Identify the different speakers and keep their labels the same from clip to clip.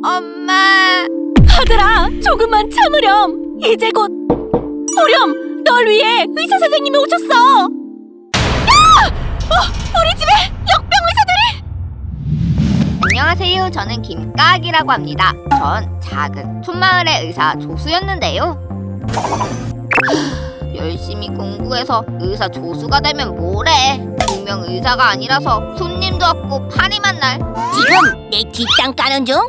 Speaker 1: 엄마.
Speaker 2: 아들아, 조금만 참으렴. 이제 곧 보렴, 널 위해 의사 선생님이 오셨어. 야! 우리 집에 역병 의사들이!
Speaker 1: 안녕하세요. 저는 김까악이라고 합니다. 전 작은 촌마을의 의사 조수였는데요. 열심히 공부해서 의사 조수가 되면 뭐래? 분명 의사가 아니라서 손님도 없고 파리만 날.
Speaker 2: 지금 내 뒷땅 까는 중?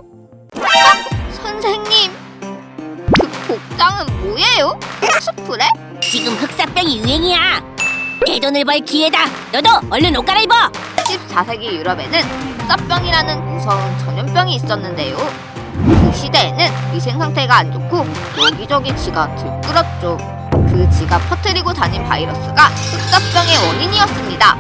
Speaker 1: 선생님, 그 복장은 뭐예요? 코스프레?
Speaker 2: 지금 흑사병이 유행이야. 내 돈을 벌 기회다. 너도 얼른 옷 갈아입어.
Speaker 1: 14세기 유럽에는 흑사병이라는 무서운 전염병이 있었는데요. 그 시대에는 위생 상태가 안 좋고 여기저기 쥐가 들끓었죠. 그 쥐가 퍼뜨리고 다닌 바이러스가 흑사병의 원인이었습니다.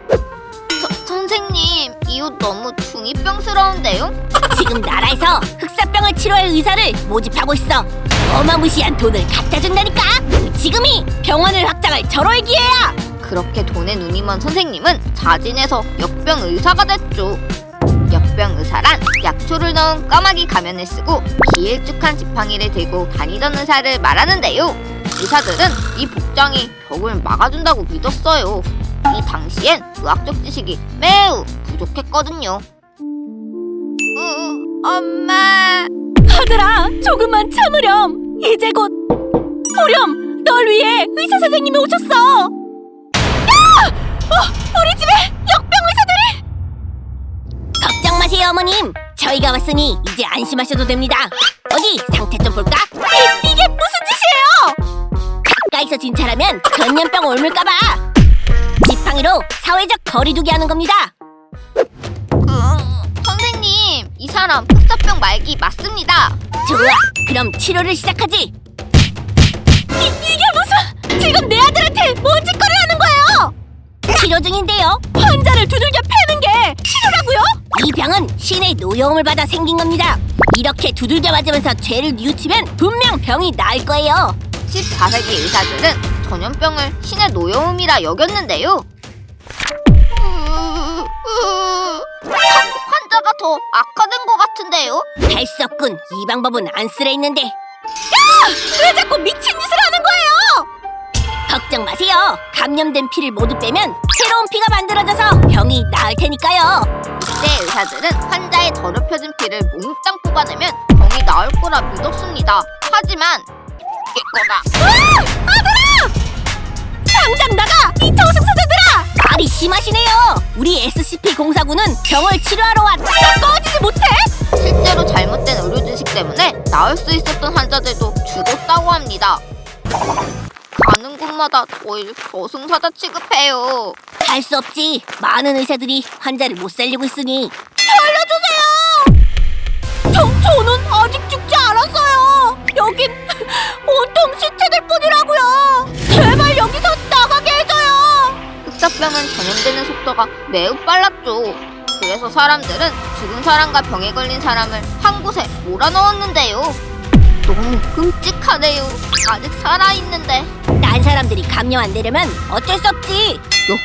Speaker 1: 선생님, 이 옷 너무 중이병스러운데요?
Speaker 2: 지금 나라에서 흑사병을 치료할 의사를 모집하고 있어. 어마무시한 돈을 갖다 준다니까. 지금이 병원을 확장할 절호의 기회야.
Speaker 1: 그렇게 돈에 눈이 먼 선생님은 자진해서 역병 의사가 됐죠. 역병 의사란 약초를 넣은 까마귀 가면을 쓰고 길쭉한 지팡이를 들고 다니던 의사를 말하는데요. 의사들은 이 복장이 병을 막아준다고 믿었어요. 이 당시엔 의학적 지식이 매우 부족했거든요. 엄마.
Speaker 2: 아들아, 조금만 참으렴. 이제 곧 보렴, 널 위해 의사 선생님이 오셨어. 야! 우리 집에 역병 의사들이! 걱정 마세요, 어머님. 저희가 왔으니 이제 안심하셔도 됩니다. 어디 상태 좀 볼까? 이게 무슨 짓이에요? 가까이서 진찰하면 전염병 옮을까봐. 지팡이로 사회적 거리두기 하는 겁니다.
Speaker 1: 선생님, 이 사람 흑사병 말기 맞습니다.
Speaker 2: 좋아, 그럼 치료를 시작하지. 이게 무슨... 지금 내 아들한테 뭔 짓거리를 하는 거예요? 치료 중인데요. 환자를 두들겨 패는 게 치료라고요? 이 병은 신의 노여움을 받아 생긴 겁니다. 이렇게 두들겨 맞으면서 죄를 뉘우치면 분명 병이 나을 거예요.
Speaker 1: 14세기 의사들은 전염병을 신의 노여움이라 여겼는데요. 환자가 더 악화된 것 같은데요?
Speaker 2: 할 수 없군. 이 방법은 안 쓰려 했는데. 야! 왜 자꾸 미친 짓을 하는 거예요? 걱정 마세요. 감염된 피를 모두 빼면 새로운 피가 만들어져서 병이 나을 테니까요.
Speaker 1: 이때 의사들은 환자의 더럽혀진 피를 몽땅 뽑아내면 병이 나을 거라 믿었습니다. 하지만 깨거라.
Speaker 2: 아들아! 당장 나가! 이 저승사자들아! 말이 심하시네요. 우리 SCP-049는 병을 치료하러 왔다. 꺼지지 못해?
Speaker 1: 실제로 잘못된 의료 지식 때문에 나을 수 있었던 환자들도 죽었다고 합니다. 가는 곳마다 저희를 저승사자 취급해요.
Speaker 2: 할 수 없지. 많은 의사들이 환자를 못 살리고 있으니. 살려주세요! 저는 아직 죽지 않았어요. 여긴 온통 시체들 뿐이라고요. 제발 여기서 나가게 해줘요.
Speaker 1: 흑사병은 전염되는 속도가 매우 빨랐죠. 그래서 사람들은 죽은 사람과 병에 걸린 사람을 한 곳에 몰아넣었는데요. 너무 끔찍하네요. 아직 살아있는데.
Speaker 2: 딴 사람들이 감염 안 되려면 어쩔 수 없지.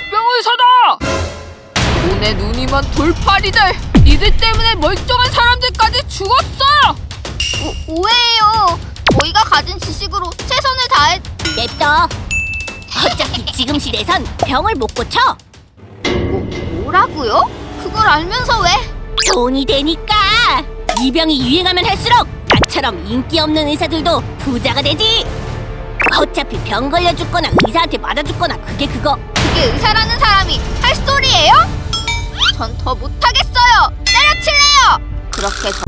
Speaker 3: 역병의사다! 돈에 눈이 먼 돌팔이들! 이들 때문에 멀쩡한 사람들까지 죽었어!
Speaker 1: 오해예요. 저희가 가진 지식으로 최선을 다해.
Speaker 2: 냅둬. 어차피 지금 시대에선 병을 못 고쳐.
Speaker 1: 뭐라고요? 그걸 알면서 왜?
Speaker 2: 돈이 되니까. 이 병이 유행하면 할수록 나처럼 인기 없는 의사들도 부자가 되지. 어차피 병 걸려 죽거나 의사한테 맞아 죽거나 그게
Speaker 1: 그게 의사라는 사람이 할 소리예요? 전 더 못하겠어요. 때려칠래요. 그렇게